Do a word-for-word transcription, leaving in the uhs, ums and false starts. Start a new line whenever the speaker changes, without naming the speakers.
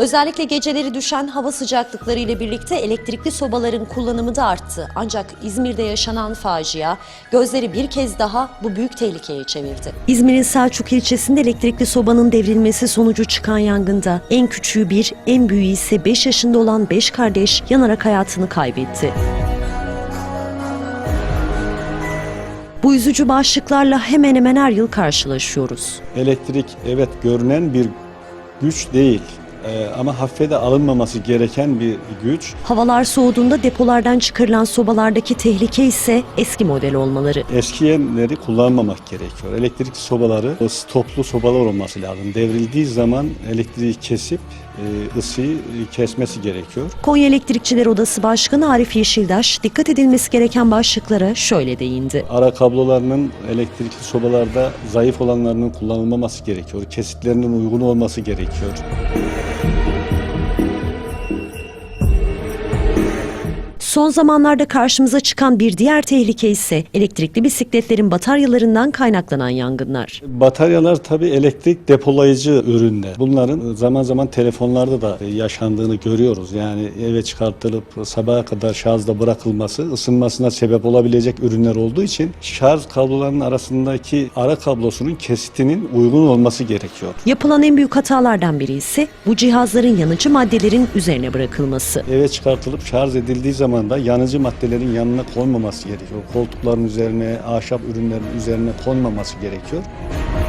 Özellikle geceleri düşen hava sıcaklıkları ile birlikte elektrikli sobaların kullanımı da arttı. Ancak İzmir'de yaşanan facia gözleri bir kez daha bu büyük tehlikeye çevirdi. İzmir'in Selçuk ilçesinde elektrikli sobanın devrilmesi sonucu çıkan yangında en küçüğü bir, en büyüğü ise beş yaşında olan beş kardeş yanarak hayatını kaybetti. Bu üzücü başlıklarla hemen hemen her yıl karşılaşıyoruz.
Elektrik evet görünen bir güç değil. Ee, ama hafife de alınmaması gereken bir güç.
Havalar soğuduğunda depolardan çıkarılan sobalardaki tehlike ise eski model olmaları.
Eskiyenleri kullanmamak gerekiyor. Elektrik sobaları stoplu sobalar olması lazım. Devrildiği zaman elektriği kesip e, ısıyı kesmesi gerekiyor.
Konya Elektrikçiler Odası Başkanı Arif Yeşildaş dikkat edilmesi gereken başlıklara şöyle değindi.
Ara kablolarının elektrikli sobalarda zayıf olanlarının kullanılmaması gerekiyor. Kesitlerinin uygun olması gerekiyor.
Son zamanlarda karşımıza çıkan bir diğer tehlike ise elektrikli bisikletlerin bataryalarından kaynaklanan yangınlar.
Bataryalar tabii elektrik depolayıcı ürünler. Bunların zaman zaman telefonlarda da yaşandığını görüyoruz. Yani eve çıkartılıp sabaha kadar şarjda bırakılması ısınmasına sebep olabilecek ürünler olduğu için şarj kablolarının arasındaki ara kablosunun kesitinin uygun olması gerekiyor.
Yapılan en büyük hatalardan biri ise bu cihazların yanıcı maddelerin üzerine bırakılması.
Eve çıkartılıp şarj edildiği zaman da yanıcı maddelerin yanına konmaması gerekiyor. Koltukların üzerine, ahşap ürünlerin üzerine konmaması gerekiyor.